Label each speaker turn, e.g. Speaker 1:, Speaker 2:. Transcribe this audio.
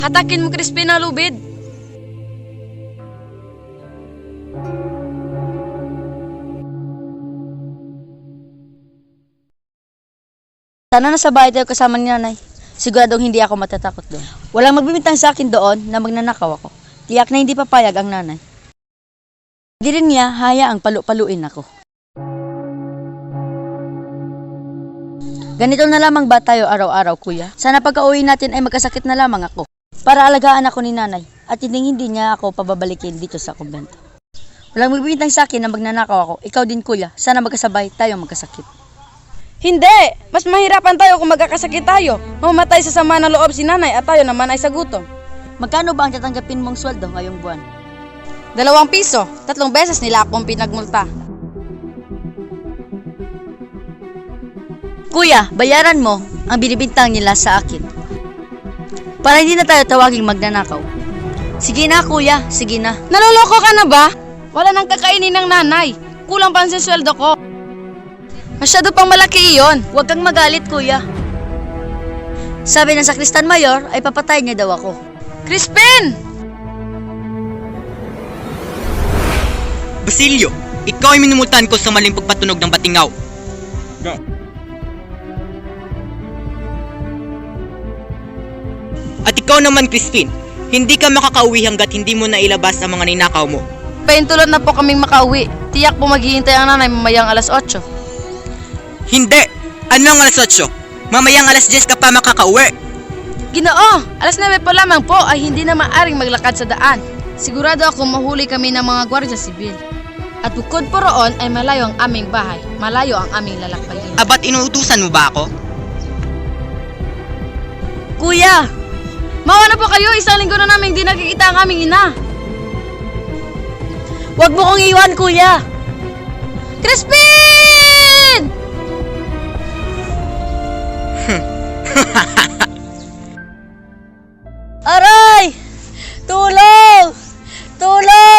Speaker 1: Hatakin mo, Crispin, na lubid.
Speaker 2: Sana nasa bahay tayo kasama ni nanay. Siguradong hindi ako matatakot doon. Walang magbibintang sa akin doon na magnanakaw ako. Tiyak na hindi papayag ang nanay. Hindi rin niya hayaang palu-paluin ako. Ganito na lamang ba tayo araw-araw, kuya? Sana pagka-uwi natin ay magkasakit na lamang ako. Para alagaan ako ni nanay at hindi niya ako pababalikin dito sa kumbento. Walang magbibintang sa akin na magnanakaw ako. Ikaw din, kuya. Sana magkasabay tayo magkasakit.
Speaker 1: Hindi! Mas mahirapan tayo kung magkakasakit tayo. Mamatay sa sama ng loob si nanay at tayo naman ay sa gutom.
Speaker 2: Magkano ba ang tatanggapin mong sweldo ngayong buwan?
Speaker 1: 2 piso. 3 beses nila akong pinagmulta.
Speaker 2: Kuya, bayaran mo ang binibintang nila sa akin. Para hindi na tayo tawaging magnanakaw. Sige na, kuya. Sige na.
Speaker 1: Naloloko ka na ba? Wala nang kakainin ng nanay. Kulang pa ang sweldo ko. Masyado pang malaki iyon.
Speaker 2: Huwag kang magalit, kuya. Sabi ng sakristan mayor ay papatay niya daw ako.
Speaker 1: Crispin!
Speaker 3: Basilio, ikaw ay minumultahan ko sa maling pagpatunog ng batingaw. At ikaw naman, Crispin, hindi ka makakauwi hanggat hindi mo nailabas ang mga ninakaw mo.
Speaker 1: Paintulot na po kaming makauwi. Tiyak po maghihintay ang nanay mamayang alas 8.
Speaker 3: Hindi! Ano ang alas 8? Mamayang alas 10 ka pa makakauwi.
Speaker 1: Ginoo, alas 9 pa lamang po ay hindi na maaring maglakad sa daan. Sigurado ako mahuli kami ng mga gwardiya sibil. At bukod po roon ay malayo ang aming bahay, malayo ang aming lalakbayin.
Speaker 3: Abat inuutusan mo ba ako?
Speaker 2: Kuya!
Speaker 1: Mawa na po kayo, 1 linggo na namin hindi nakikita ang aming ina.
Speaker 2: Huwag mo kong iwan, kuya!
Speaker 1: Crispin!
Speaker 2: Aray! Tulong! Tulong!